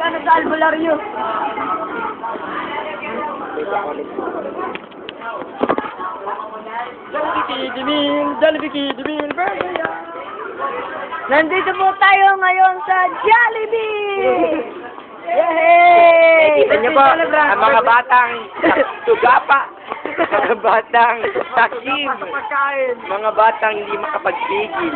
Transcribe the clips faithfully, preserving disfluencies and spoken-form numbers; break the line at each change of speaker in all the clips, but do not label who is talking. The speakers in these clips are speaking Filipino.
Magkano sa albularyo? Jollibee Kidimil, Jollibee Kidimil, Burger. Nandito po tayo ngayon sa Jollibee! Yay!
Kita niyo po, ang mga batang tugapa, mga batang takim, mga batang hindi makapagpigil.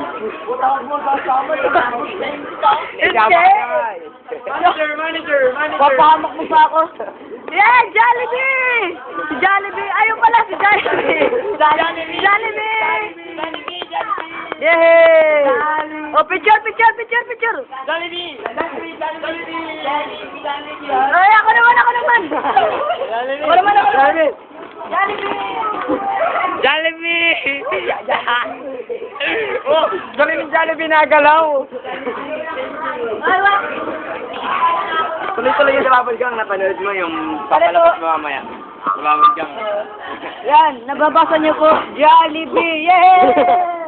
Hindi!
Manager, manager, manager.
Papahamak mo pa ako. Yeah, Jollibee! Si Jollibee! Ayun pala si Jollibee! Jollibee! Jollibee! Yay! Oh, picture, picture, picture, picture!
Jollibee! Jollibee! Jollibee!
Ay, ako naman, ako naman! Ako naman, ako naman! Jollibee!
Jollibee! Oh, galing yung Jollibee nagalaw.
Ay, wak!
Tuloy-tuloy yung Babad Gang, napanood mo yung papalabas mo mamaya. Babad Gang.
Yan, nababasa niyo po, Jollibee! Yay!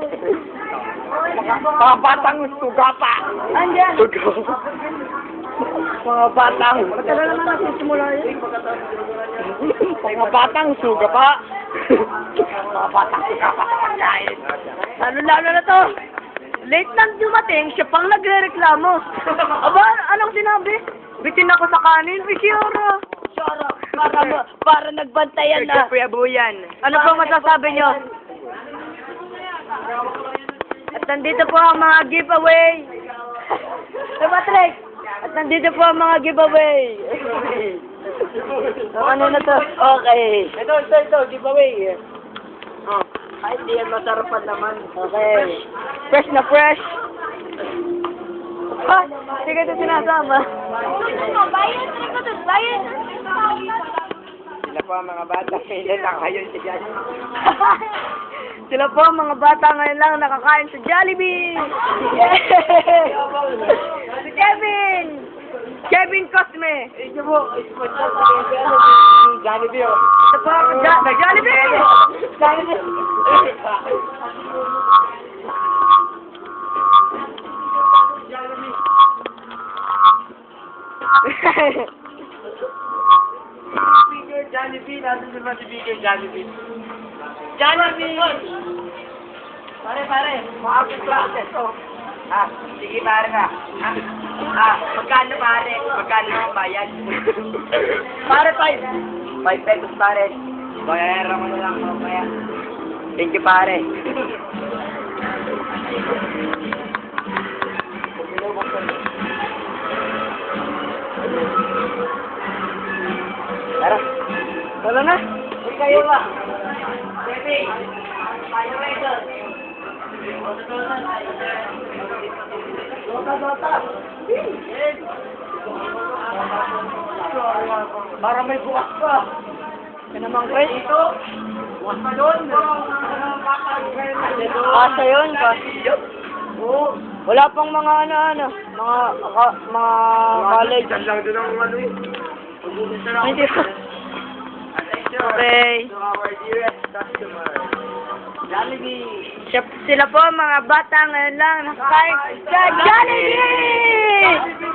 Mga batang tugapa.
Andiyan!
Tugapa. Mga batang.
Matagal naman natin simula yun.
Mga batang sugapa. Mga batang sugapa sa pagkain.
Lalo-lalo na to. Late nang dumating, siya pang nagre-reklamo. Aba, anong sinabi? Bitin ako sa kanin, Bishara. Bishara, para, para nagbantayan na.
Kuya Buyan.
Ano po masasabi nyo? At nandito po ang mga giveaway. Diba, Trek? At nandito po ang mga giveaway. So, ano na to? Okay.
Ito, ito, ito, giveaway. Oh, kahit di yan masarapan naman.
Okay. Fresh na fresh. Ha? Hindi ka ito sinasama. Bayan, Trek ko doon. Bayan.
Sila po ang mga bata. Kailan lang kayo si Jan.
Sila po ang mga bata ngayon lang nakakain sa Jollibee. Si Kevin. Kevin Cosme.
Ito po, sponsor po yung Jollibee.
Ito po ang Jo- Jollibee. Jollibee.
Speaker Jollibee, natin sa mga speaker Jollibee. Jollibee! Pare, pare, makapit classes, oh. Ah, sige pare na. Ah, ah, magkano pare? Magkano ang bayad?
Pare five.
Five pesos pare. Bayaran mo na lang mamaya. Thank you pare. Tara.
Wala na.
Uy, kayo ba? Baby, tayo ito. Dota, dota. Para may bukas pa.
Yan naman, Chris.
Ito. Bukas pa doon.
Kasa yun, kasa.
Oo.
Wala pang mga ano-ano. Mga, ka, mga college.
Diyan lang doon ang ano eh.
Hindi pa. Okay.
To our dearest customer. Jollibee.
Siya, sila po mga bata ngayon lang nakakain sa Jollibee!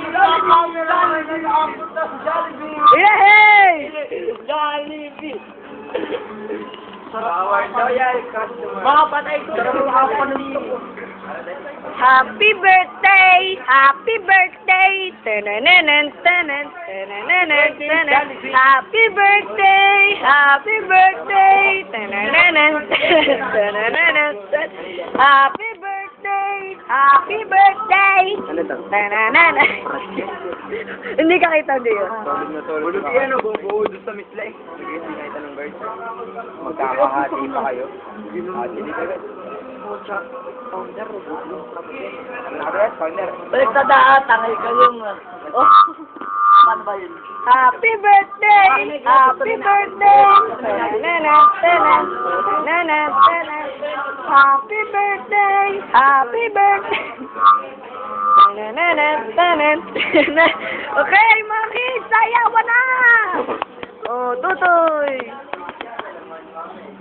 Yay!
Jollibee. To our loyal customer.
Mga patay ko.
Sarap ang kapanulit ko.
Happy birthday! Happy birthday! Tanananan, tanan, tanananan, tanan. Happy birthday! Happy birthday! Tanananan, tanananan, tanan. Happy birthday! Happy birthday!
Ano to?
Tanananan. Hindi ka kita diyo.
Tulog na tulog. Tulog yan o, buo doon sa misla eh. Sige, hindi na ito ng birds. Magkakahati pa kayo. Hati dito agad.
Founder,
Nakabet, founder.
balik sa daan, tangay ka yung... Oh, paano ba yun? Happy birthday! Happy birthday! Nana, nana, nana, nana. Happy birthday! Happy birthday! Nana, nana, nana. Okay, mga kids, sayawan na! Oh, Tutoy!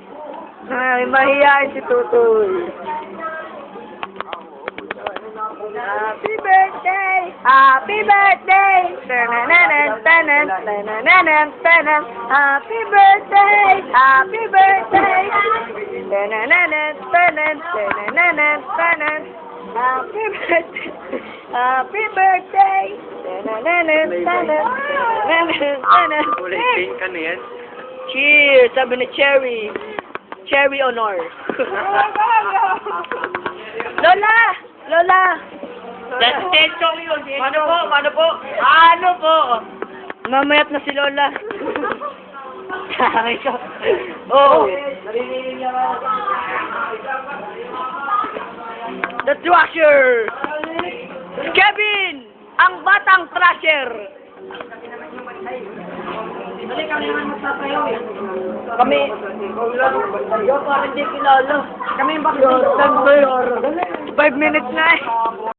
Ay, mahihayin si Tutoy. Happy birthday! Happy birthday! Tanananan, tanan, tanananan, tanan. Happy birthday! Happy birthday! Tanananan, tanan, tanananan, tanan. Happy birthday! Happy birthday! Tanananan, tanan, tanananan, tanan.
Kulay pink ka na yan.
Cheers! Sabi ni Cherry. Cherry honor. Lola! Lola!
Destination yun. Paano po? Paano po? Paano po?
Mamayat na si Lola. Sabi ko. Oh! The Thrasher! Kevin! Ang batang Thrasher!
Dali kami naman magsasayaw eh.
Kami, yo, parang di kilala.
Kami yung
Yo, five minutes na eh.